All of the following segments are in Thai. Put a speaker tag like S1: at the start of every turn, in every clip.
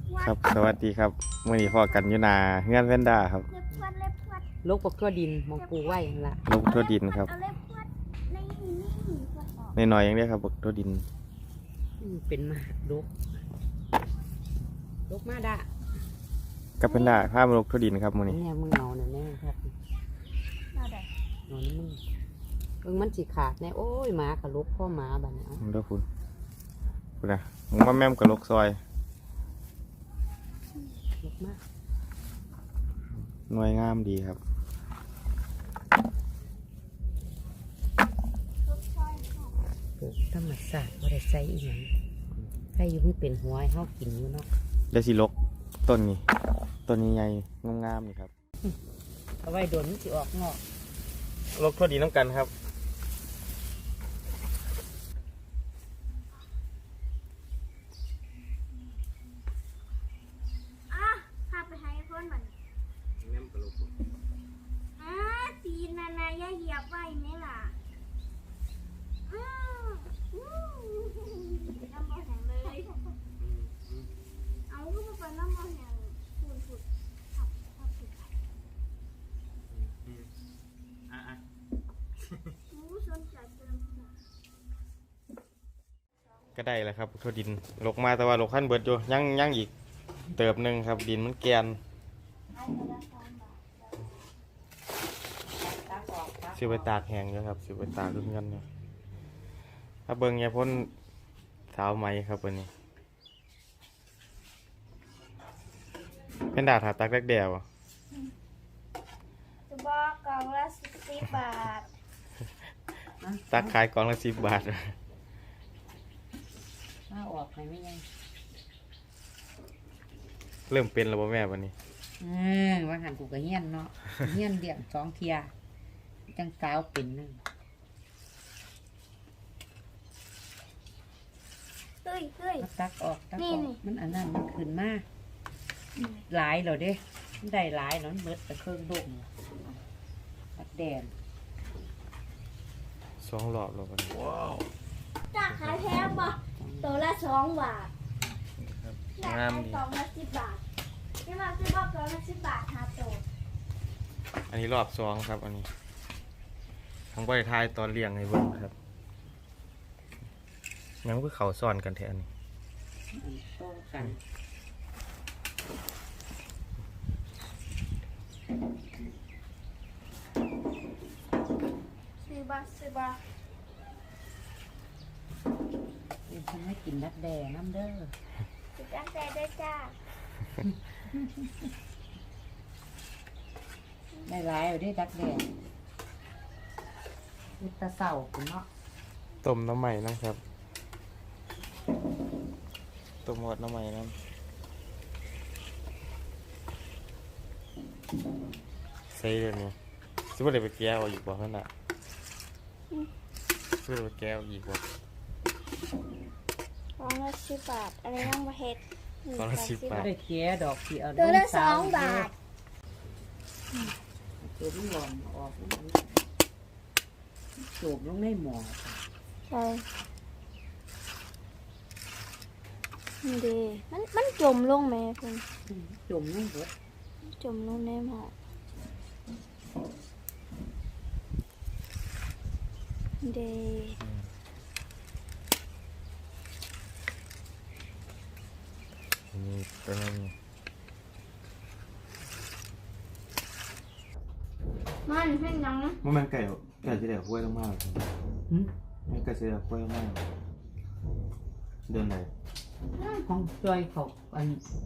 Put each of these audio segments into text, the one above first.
S1: ครับสวัสดีครับมื่อนี้พอกันอยู่นาเฮือนเวนด้าครับ
S2: ลกปกทั่วดินมองปูไว้นั่นละ
S1: ลงทั่วดินครับในหน่อยๆอย่างนี้ครับทั่วดิน
S2: เป็นมหาลกมาด่า
S1: กับเป็นด้าข้ามลงทั่วดินครับมื่อนี้
S2: เนี่ยมึงเอาเนี่ยแน่ครับนอนมึงมันสิขาดแน่โอ้ยหมากับลกพ่อหมาบ้านเนี่ย
S1: เด้อคุณนะมึงมาแม่มกับลกซอย
S2: ลกมาก
S1: หน่วยงามดีครับ
S2: ธรรมศาสตร์ว่าได้ใส่อีหยังใส่อยู่ไม่เป็นหัวให้เขากินอยู่เนาะ
S1: เดี๋ยวสิลกต้นนี้ต้นนี้ใหญ่งามๆนี่ครับ
S2: เอาไว้โดนมันสิออกงอก
S1: ลกทั่วดินน้ำกันครับ
S3: ตีนนายเหยียบไว้ไหมล่ะน้ำบ่แห้งเลยเอาก็มาเป็นน้ำบ่แห้งฝุ่นขับสนใจเติม
S1: ก็ได้แล้วครับทั่วดินลกมาแต่ว่าลกขั้นเบิดอยู่ยังอีกเติบหนึ่งครับดินมันแกนสิไปตากแห้งอยู่ครับสิไปตากด้วยกันเนาะถ้าเบิ่งเนี่ยพ้นสาวไหมครับวันนี้เป็นดาถาตักแรกเดียวอะ
S3: จะบอกกล่องละ10 บาท
S1: ตักขายกล่องละ10 บาท
S2: ถ้าออกไปไม่ยัง
S1: เริ่มเป็นแล้วบ่แม่วันนี้
S2: ว่าหันกูก็เฮี้ยนเนาะเฮี้ยนเดี่ยง2 เทียจังสาวเป็นนึง
S3: เฮ้ย
S2: ตักออก
S3: นี่
S2: มันอันนั้นมันขึ้นมาหลายเหรอเด้มันได้หลายเนาะมันเบิดแต่เครื่องดมตัดแดน
S1: 2 รอบแล้ววันนี้ว้าว
S3: จากขายแพงป่ะตัวละ2 บาท
S1: งามดี
S3: กล่องละ10 บาทนี่มาซื้อบอกกล่องละ10 บาท5 ตัว
S1: อันนี้รอบ2ครับอันนี้ทั้งบริทายตอนเลี้ยงให้เบิ่งครับยังคือเขาซ่อนกันแท้อันนี้
S2: โตกัน
S3: ซื้อบาท
S2: เดี๋ยวฉันให้กินนักแดงน้ำเด้อ
S3: ติดตั้งแต่ได้จ้า
S2: ได้หลายอยู่ได้ดักแดงอุตะเสาคุณเนาะ
S1: ต้มน้ำใหม่นะครับต้มหมดน้ำใหม่น้ำใส่เดี๋ยวนี้ซื้อไปแก้วอีกบ่นั่นน่ะซื้อไปแก้วอีกบ่
S3: กล่องละ10 บาทอะไรยังบ่เฮ็ด
S1: กล่องละ10 บาท
S2: ได้เกี้ยดอกที่เอา
S3: ตัวละ
S2: สาว
S3: 2 บาท
S2: ตัวมันหล่อนออกมันจูบลงในหมอ
S3: ใช่นี่เด้มันจมลงไหมเพิ่น
S2: จุ่มลงเบิด
S3: จมลงในหม้อเด้
S1: นี่ตัวนี้
S3: มันเพิ่นยัง
S1: มันไก่ที่เดี๋ยวห้วยต้องมาก
S2: หึ
S1: มันไก่ที่เดี๋ยวห้วยต้องมากเดินไหน
S2: ของจอยเขาอัน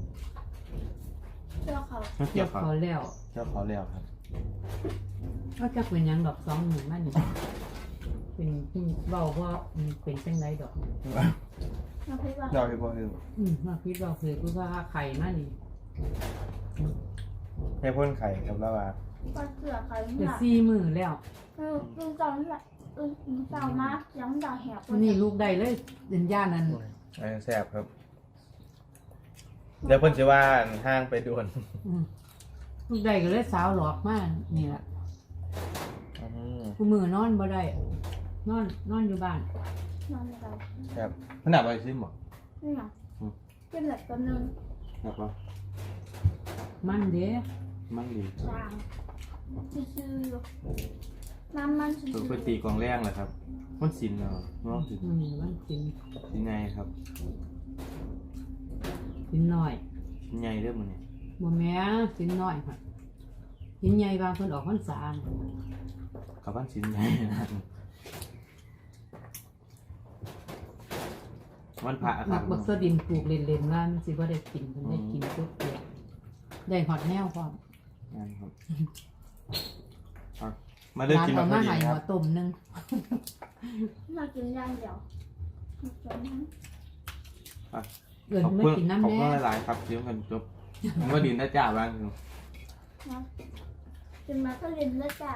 S3: เจ้าเขา
S1: ไม่
S2: เกี่
S1: เกี่
S2: ย
S1: ยว วครับ
S2: เขาแล้ว
S1: เจ้าขอแล้วครับ
S2: ก็จะเป็นหยังดอก20,000มันนี่เป็นเบาว่ามันเป็นจังไรดอก
S3: เราคิดว่า
S1: เราให้พ่อให้
S2: มาคิดว่าคือกูว่าไข่มานี่
S1: ให้พ่นไข่ครับแล้วว่า
S3: ปลาเสือเขา
S2: จะ
S3: เนี่ย
S2: 4 มื้อแล้ว
S3: ลุงจอนละลุงจอนมายังด่าแหบ
S2: วันนี้ลูกได้เลยเป็นย่านั้น
S1: แซ่บครับเดี๋ยวเพิ่นจะว่าห้างไปด่วน
S2: ลูกได้ก็เลยสาวหลอกมากนี่แหละกูมือนอนบ่ได้นอนอยู่บ้าน
S3: นอนในเรา
S1: ครับมันหนักไปซิมหรอ
S3: นี่ไงเป็นเหล็กตัวนึง
S1: ครับว่า
S2: มันเด้
S1: มันดี
S3: จางซื่อๆอยู่มันซื่
S1: ตัว
S3: อ
S1: ไปตีกองแรงเหรอครับมันสินเนาะน้องสิน
S2: มันกิน
S1: สินไงครับ
S2: กินน้อย
S1: สินไงเรื่องมันเนี่ย
S2: บ่แม่กินน้อยค่ะกินใหญ่บางคนออกพรรษา
S1: กับบ้านสินไงนะวันพระค
S2: มั
S1: รั
S2: ก
S1: บ
S2: บักสะดินปลูกเล่นๆว่ามันสิบ่ได้กินมันได้กินทุกเปียกได้ฮอดแนวพร้อม
S1: งานครับครับมาเลือก
S2: ร้าน
S1: กิน
S2: เอา
S1: มา
S2: มา
S1: พอ
S2: ให้
S1: ดีค
S2: หั
S1: รั
S2: ว
S1: บ
S2: ต้มนึง
S3: ๆเรากินอย่างเดียวจนนั้น
S2: เอิ้น
S1: ขอบ
S2: ไม่
S1: คุณ
S2: กิน
S1: ขอบ
S2: น้ำ
S1: คุณ
S2: แน่
S1: หลายๆครับเลี้ยงกันจบผมก็ดินได้จ้าบ้างครับ
S3: นะกินมาก็เรียนแล้วจ้ะ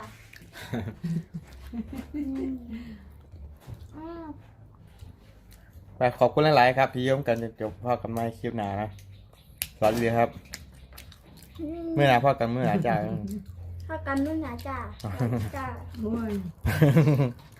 S3: อืมอ้าว
S1: ไปขอบคุณหลายๆครับที่เยี่ยมกันจบพ่อกับนายคลิปหนานะสวัสดีครับ เมื่อหนาพ่อกันเมื่อหนาจ้า
S3: ถ้ากันนู่นนะจ้ะจ้ะ
S2: โอ้ย